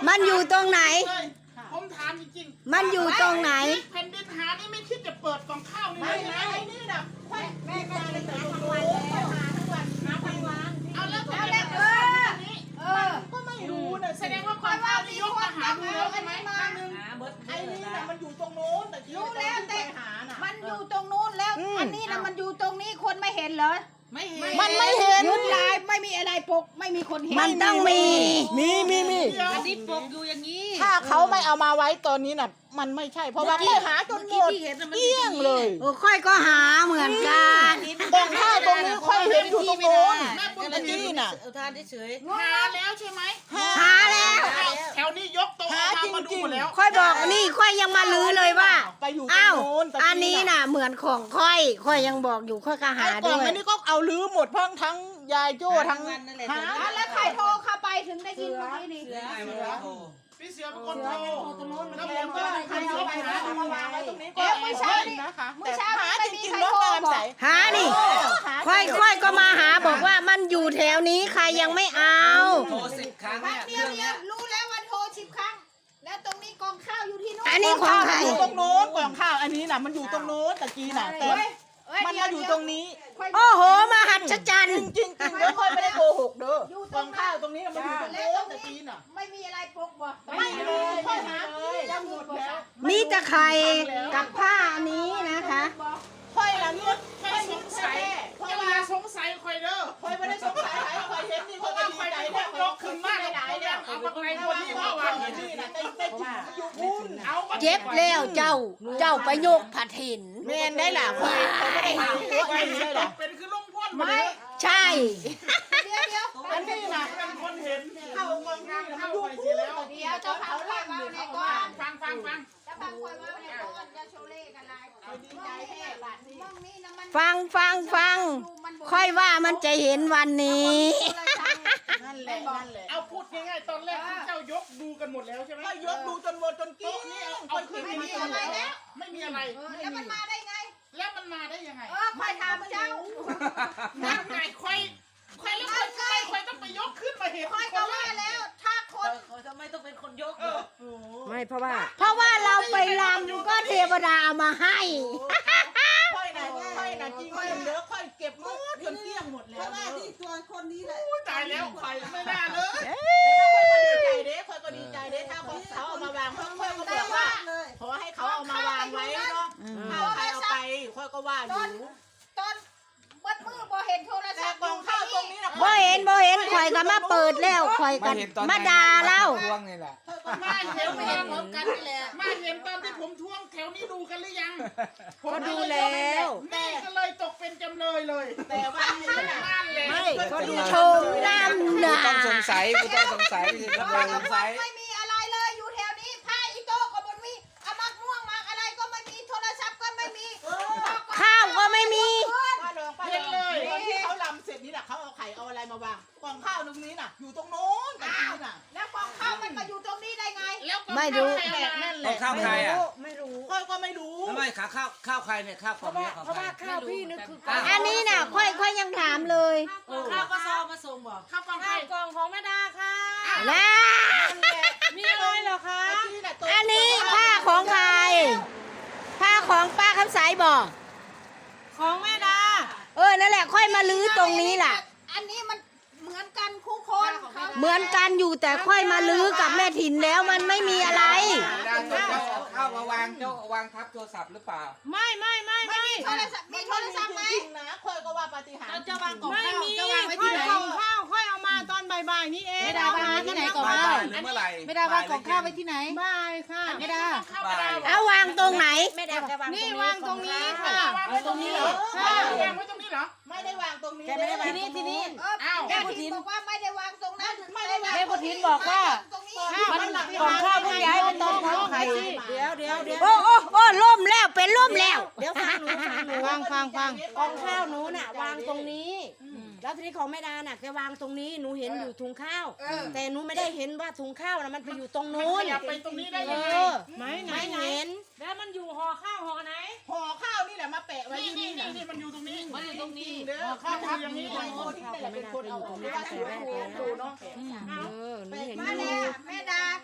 มันอยู่ตรงไหนผมถามจริงมันอยู่ตรงไหนแผ่นดินหานี่ไม่คิดจะเปิดกล่องข้าวนี่เลยใช่ไหมนี่นะแม่เลยหาทั้งวันแล้วหาทั้งวันหาทั้งวันเอาแล้วก็ไม่รู้นะแสดงว่าความข้าวที่ยกมาหาดูแล้วใช่ไหมไอ้นี่นะมันอยู่ตรงโน้นแต่ที่รู้แล้วแต่หาน่ะมันอยู่ตรงนู้นแล้วอันนี้นะมันอยู่ตรงนี้คนไม่เห็นเหรอไม่เห็นมันไม่เห็นยุดลายไม่มีอะไรปกไม่มีคนเห็นมันต้องมีอันนี้ปกอยู่อย่างนี้ถ้าเขาไม่เอามาไว้ตอนนี้น่ะมันไม่ใช่เพราะว่าเขาหาจนหมดเกลี้ยงเลยโอ้ค่อยก็หาเหมือนกันกล่องข้าวตรงนี้ค่อยเห็นอยู่ตรงโน้นตะกี้น่ะเอาทานเฉยหาแล้วใช่ไหมหาแล้วแถวนี้ยกโต๊ะมาดูแล้วค่อยบอกนี่ค่อยยังมาลื้อเลยว่าไปอยู่ตรงอ้าวโน้นตะกี้อันนี้น่ะเหมือนของค่อยยังบอกอยู่ค่อยก็หาไอ้กล่ด้องวยอันนี้ก็เอาลื้อหมดทั้งยายโจ้ทั้งหาแล้วใครโทรเข้าไปถึงได้ยินเมื่อกี้นี่พี่เสือเป็นคนโทรแล้วผมก็ก็ใครเอาไปหาเอามาวางไว้ตรงนี้ก็ไม่ใช่นะคะแต่หาจริงๆแล้วการใส่หานี่ค่อยก็มาหาบอกว่ามันอยู่แถวนี้ใครยังไม่เอาโทร10 ครั้งพัเนี่ยกเดียวรู้แล้วว่าโทร10 ครั้ง แล้วตรงนี้กองข้าวอยู่ที่นู้นอันนี้ของใครอยู่ตรงโน้นกล่องข้าวอันนี้น่ะมันอยู่ตรงโน้นตะกี้น่ะแต่มันมาอยู่ตรงนี้โอ้โหมหัศจรรย์จริงๆเด้อค่อยไม่ได้โกหกเด้อกล่องข้าวตรงนี้น่ะมันอยู่ตรงโน้นตะกี้น่ะไม่มีอะไรปกบ่ไม่เลยค่อยหายังหมดแล้วมีแต่ไข่กับผ้าอันนี้นะคะค่อยละเลือดค่อยสงสัยค่อยละสงสัยค่อยเด้อค่อยไม่ได้สงสัยค่อยเห็นนี่ค่อยก็ดีใจแล้วยกขึ้นมาหลายแล้วเอาไปคนที่ว่าวางอยู่นี่น่ะแต่อยู่พุ่นเอาเจ็บแล้วเจ้าไปโยกผัดหินแม่นได้ล่ะค่อยเขาไม่ได้หาตัวอันนี้ได้ล่ะเป็นคือลุงพ่นไม่ใช่เดี๋ยวอันนี้น่ะเป็นคนเห็นเข้ากองข้าวเข้าไปเสียแล้วเดี๋ยวเจ้าเผาไล่มาในก้อนฟังจะฟังคอยว่าในก้อนจะโชเล่กันลายดีใจแท้บัดนี้มองนี่นะมันฟังค่อยว่ามันจะเห็นวันนี้นั่นแหละเอาพูดง่ายๆตอนแรกเจ้ายกดูกันหมดแล้วใช่ไหมยกดูจนหมดจนกี้นี่เอาขึ้นไม่มีอะไรแล้วไม่มีอะไรแล้วมันมาได้ไงแล้วมันมาได้ยังไงคอยถามเจ้านั่งไงค่อยแล้วค่อยต้องไปยกขึ้นมาเห็นคอยก็ว่าแล้วถ้าคนทำไมต้องเป็นคนยกไม่เพราะว่าเราไปลำก็เทวดาเอามาให้ค่อยนะจริงเด้อค่อยเก็บหมดจนเกลี้ยงหมดแล้วที่ตัวคนนี้แหละตายแล้วใครไม่น่าเลยค่อยก็ดีใจเด้ถ้าเขาเอามาวางค่อยก็บอกว่าขอให้เขาเอามาวางไว้เนาะถ้าใครเอาไปค่อยก็ว่าอยู่ตอนวัดมือบ่เห็นโทรแต่ศัพท์กองข้าวตรงนี้นะบ่เห็นข่อยก็มาเปิดแล้วข่อยกันมาด่าเล่าท่วงนี่แหละมาเห็นพร้อมกันนี่แหละมาเห็นตอนที่ผมท่วงแถวนี้ดูกันหรือยังก็ดูแล้วแม่ก็เลยตกเป็นจำเลยเลย แต่วันนี้นั่นแหละก็ดูชมน้ำหนาต้องสงสัยกูต้องสงสัยไม่ใช่ต้องสงสัยไม่มีอะไรเลยอยู่แถวนี้ผ้าอีโต้ก็บ่มีอามักม่วงมักอะไรก็ไม่มีโทรศัพท์ก็ไม่มีข้าวก็ไม่มีเห็นเลยตอนที่เขาลำเสร็จนี่น่ะเขาเอาไข่เอาอะไรมาวางกล่องข้าวตรงนี้น่ะอยู่ตรงโน้นตรงนี้น่ะแล้วกองข้าวมันมาอยู่ตรงนี้ได้ไงไม่รู้นั่นแหต้อละงข้าวใครอ่ะค่อยก็ไม่รู้ทำไมขาข้าวใครเนี่ยข้าวของเนี่ยของใครข้าวพี่นึกคืออันนี้น่ะค่อยยังถามเลยข้าวกระสอบมาส่งบอกข้าวกล่องไข่กล่องของแม่ดาค่ะแล้วมีอะไรเหรอคะอันนี้ผ้าของใครผ้าของป้าคำสายบอกของแม่ดานั่นแหละค่อยมาลื้อตรงนี้ล่ะอันนี้มันเหมือนกันคู่คนเหมือนกันอยู่แต่ค่อยมาลื้อกับแม่ถิ่นแล้วมันไม่มีอะไรข้าวมาวางเจ้าวางทับโทรศัพท์หรือเปล่าไม่มีโทรศัพท์มีโทรศัพท์ไหมจริงๆนะค่อยก็ว่าปาฏิหาริย์จะวางกล่องไม่ข้าวมีจะวางไว้ค่อที่ยไหนกล่องข้าวค่อยเอามาตอนบ่ายๆนี่เอง ไม่ได้วางไว้ที่ไหนก่อนบ่ายหรือเมื่อไหร่ไม่ได้วางกล่องข้าวไว้ที่ไหนบ่ายค่ะไม่ได้บ่ายเอาวางตรงไหนนี่วางตรงนี้ค่ะวางไว้ตรงนี้เหรอค่ะวางไว้ตรงนี้เหรอไม่ได้วางตรงนี้ทีนี้อ้าวแม่ทินบอกว่าไม่ได้วางตรงนั้นไม่ได้วางแม่พุทินบอกว่าตรงนี้มันกล่องข้าวเพิ่งย้ายไปตรงของใครเดี๋ยวโอ้ล่มแล้วเป็นล่มแล้วเดี๋ยวฟังหนูฟังกองข้าวหนูน่ะวางตรงนี้ แล้วทีนี้ของแม่ดาน่ะแกวางตรงนี้หนูเห็นอยู่ถุงข้าว แต่หนูไม่ได้เห็นว่าถุงข้าวน่ะมันไปอยู่ตรงมันนู้ขนยับไปตรงนี้ได้เอยังไงอไหนไม่เห็นแล้วมันอยู่ห่อข้าวห่อไหนห่อข้าวนี่แหละมาแปะไว้ที่นี่นี่มันอยู่ตรงนี้มันอยู่ตรงนี้เด้อข้าวอยู่อย่างนี้ไอ้คนที่เป็นคนเอาออกไม่ได้ดูเนาะหนูเห็นมาอยู่แล้วแม่ดา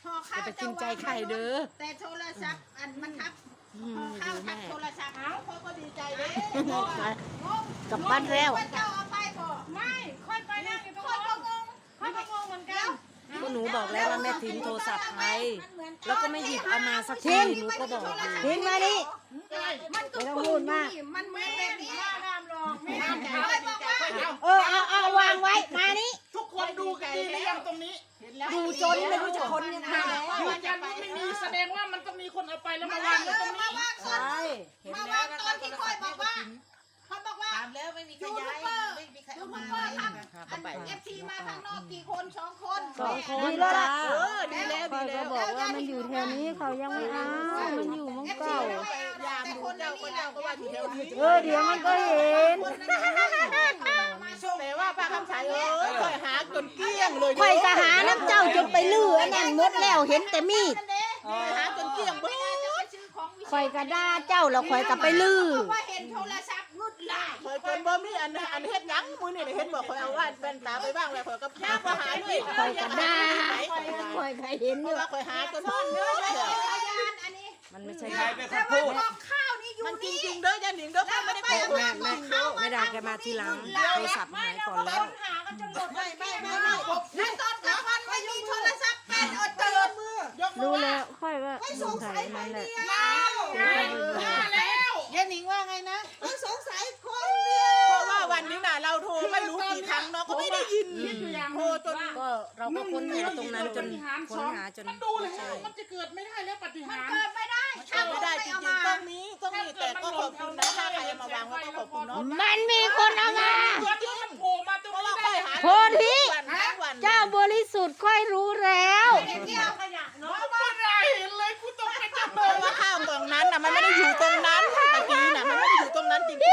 ห่อข้าวอย่าไปกินใจใครเด้อแต่โทรศัพท์อันมันทับห่อข้าวทับโทรศัพท์เอาเขาก็ดีใจเด้กลับบ้านแล้วว่าเจ้าเอาไปบ่ไม่ค่อยไปนั่งอยู่ตรงคนนู้ก็นงงค่อยก็งงเหมือนกันก็หนูบอกแล้วว่าแม่ทิ้งโทรศัพท์ไปแล้วก็ไม่หยิบเอามาสักทีหนูก็บอกอยู่ทิ้งมาดิมันก็ไม่ต้องพูดมากมันเหมือนแบบนี้ห้ามลองไม่ห้าห้าม มใจบอกว่าเอาวางไว้ มานี่ทุกคนดูกันดีหรือยังตรงนี้ดูจนไม่รู้จะค้นยังไงแล้วยืนยันว่าไม่มีแสดงว่ามันต้องมีคนเอาไปแล้วมาวางไว้ตรงนี้ใช่มาวางตอนที่คอยบอกว่าเขาบอกว่าถามแล้วไม่มีใครยูทูย้าบยเบอร์ไม่มีใครยูเอาทูมาบเบอร์ทำอันเอฟซีมาข้างนอกกี่คน2 คนสองคนดีแล้วจ้าล่ะดีแล้วคอยก็บอกว่ามันอยู่แถวนี้เขายังไม่เอามันอยู่เมังเก่ายามดูเจ้าก็เจ้าก็ว่าอยู่แถวนี้เดี๋ยวมันก็เห็นแต่ว่าป้าคำสายค่อยหาจนเกลี้ยงเลยข่อยก็หาน้ำเจ้าจนไปลื้ออันนั้นหมดแล้วเห็นแต่มีดหาจนเกลี้ยงไม่เบิ้ได้จะไปซื้อของวิเศษข่อยก็ด่าเจ้าแล้วข่อยก็ไปลื้อเพราะว่าเห็นโทรศัพท์งุดลายเคยจนบ่มีอันเฮ็ดยังมือนี่เห็นบอกคอยเอาว่าเป็นตาไปบ้างแล้วคอยก็ย่างมาหาด้วยข่อยก็ด่าข่อยก็เห็นเพอยู่ราะว่าคอยหาจนนอนเยพอะยานอันนี้มันไม่ใช่ใครเป็นคแต่นว่าพูดกองข้าวนี่อยู่มันจนี่ริงๆเด้อยันหนิงเด้อป้าไม่ได้โกหกไม่ได้แกมาทีหลังโทรศัพท์หายก่อนแล้วหากันจนหมดไม่ในตอนกลางวันไม่มีโทรศัพท์เป็นอดเจอมือยกมืรู้อแล้วค่อยว่าสงสัยมันแหละมาแล้วยันหนิงว่าไงนะสงสัยคนเดียวเพราะว่าวันนี้น่ะเราโทรไม่รู้กี่ครั้งเนาะก็ไม่ได้ยินโทรจนก็เราก็ค้นหาตรงนั้นจนค้นหาจนมันดูแล้วมันจะเกิดไม่ได้แล้วปฏิหารเกิดไม่ได้ถ้าไม่ได้จริงๆต้องมีแต่ก็ขอบคุณนะถ้าใครเอามาวางไว้ก็ขอบคุณเนาะมันมีคนเอามาตัวที่มันโผล่มาตรงเพราะนี้ว่าได้ค่อยหาโพธิวันเจ้าบริสุทธิ์ค่อยรู้แล้วเที่ยวขยะเนาะไม่ได้เห็นเลยกูต้องไปจับเพราะว่าข้าวกล่องนั้นน่ะมันไม่ได้อยู่ตรงนั้นตะกี้น่ะมันไม่ได้อยู่ตรงนั้นจริงๆ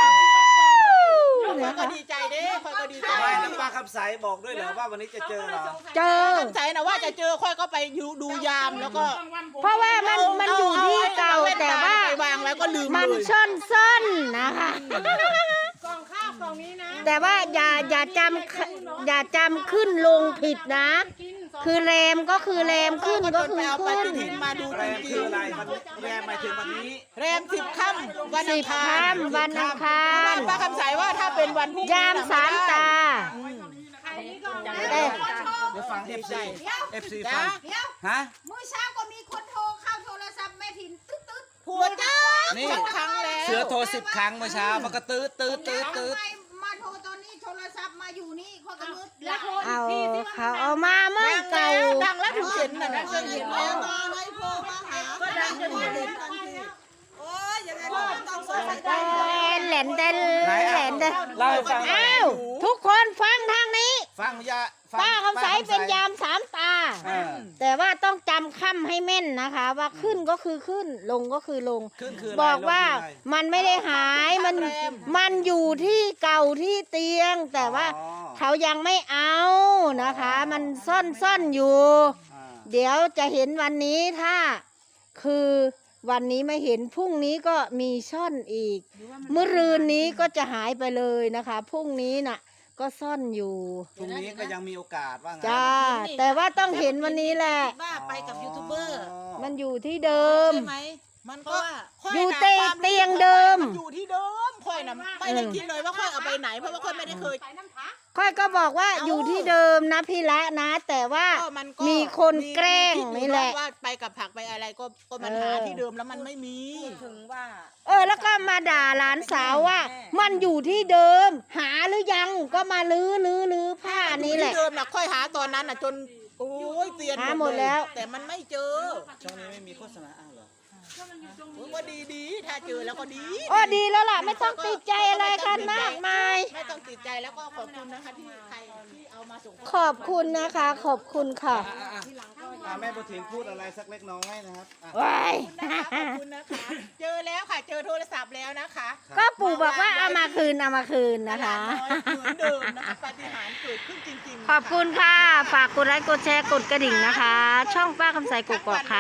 คอยก็ดีใจเด้คอยก็ดีใจไม่น้ำปลาคำใสบอกด้วยเหรอว่าวันนี้จะเจอเหรอเจอสงสัยนะว่าจะเจอค่อยก็ไปดูยามแล้วก็เพราะว่ามันอยู่ที่เก่าแต่ว่าไปวางแล้วก็ลืมมันเลยซ่อนๆนะคะกล่องข้าวกล่องนี้นะแต่ว่าอย่าจำขึ้นลงผิดนะกินสองคือแรมก็คือแรมขึ้นก็คือเอาปขึ้นฏิทินมาดูแรจมริคือง อะไรมันแรมหมายถึงวันนี้ๆแรม10 ค่ำวันอังคารค่ำวันอังคารป้าคำสายว่าถ้าเป็นวันพรุ่งนี้ยามสามตาอันนี้กล่องแต่เดี๋ยวฟัง FC ฟังเดี๋ยวฮะมื้อเช้าก็มีคนโทรเข้าโทรศัพท์แม่ถิ่นตึ๊ดตึ๊ดผัวจ้านี่ครั้งแล้วเสือโทร10 ครั้งเมื่อเช้ามันก็ตืดทำไมมาโทรตอนนี้โทรศัพท์มาอยู่นี่ข้อยก็มืดแล้วโทรเอาอีกทีที่เขาเอามาเมื่อเก่าดังแล้วถึงเห็นน่ะนะเห็นแล้วก็ดังจนเห็นแหลนเต้นแหลนเต้นเล่าให้ฟังหน่อยอ้าวทุกคนฟังทางนี้ฟังยาฟังป้าคำใสเป็นยามสามตาเออแต่ว่าต้องจำค่ำให้แม่นนะคะ ว่าขึ้นก็คือขึ้นลงก็คือลงขึ้นคืออะไรบอกว่าลงคืออะไรมันไม่ได้หายมันอยู่ที่เก่าที่เตียง แต่ว่าอ๋อเขายังไม่เอานะคะ มันซ่อนอยู่อ่าเดี๋ยวจะเห็นวันนี้ถ้าคือวันนี้ไม่เห็นพรุ่งนี้ก็มีซ่อนอีกเมื่อรืนนี้ก็จะหายไปเลยนะคะพรุ่งนี้น่ะ ก็ซ่อนอยู่พรุ่งนี้ก็ยังมีโอกาสว่างั้นจ้าแต่ว่าต้องเห็นวันนี้แหละว่าไปกับยูทูบเบอร์มันอยู่ที่เดิมใช่ไหมมันก็อยู่เตียงเดิมนอยู่ที่เดิมค่อยนะไม่ได้คิดเลยว่าค่อยเอาไปไหนเพราะว่าค่อยไม่ได้เคยใส่น้ำผักค่อยก็บอกว่าอยู่ที่เดิมนะพี่ละนะ แต่ว่าก็มันก็มีคนแกล้งมีคิดอยู่นี่แหละว่าไปกับผักไปอะไรก็มันหาที่เดิมแล้วมันไม่มีถึงว่าแล้วก็มาด่าหลานสาวว่า มันอยู่ที่เดิม หาหรือยังก็มาลื้อผ้านี่แหละที่เดิมนะค่อยหาตอนนั้นนะจนโอ้ยเตียนหาหมดแล้วแต่มันไม่เจอช่วงนี้ไม่มีโฆษณาอ้าวเหรอว่าดีถ้าเจอแล้วก็ดีดีแล้วล่ะไม่ต้องติดใจอะไรกันมากมายไม่ต้องติดใจแล้วก็ขอบคุณนะคะที่ใครที่เอามาส่งขอบคุณนะคะ ขอบคุณค่ะแม่บุญถิ่นพูดอะไรสักเล็กน้อยนะครับอ่ะว้ายขอบคุณนะคะ เจอแล้วค่ะ เจอโทรศัพท์แล้วนะคะก็ปู่บอกว่าเอามาคืนนะคะเหมือนเดิมนะคะปาฏิหาริย์เกิดขึ้นจริงๆขอบคุณค่ะ ฝากกดไลค์กดแชร์กดกระดิ่งนะคะ ช่องป้าคำใสกกอกค่ะ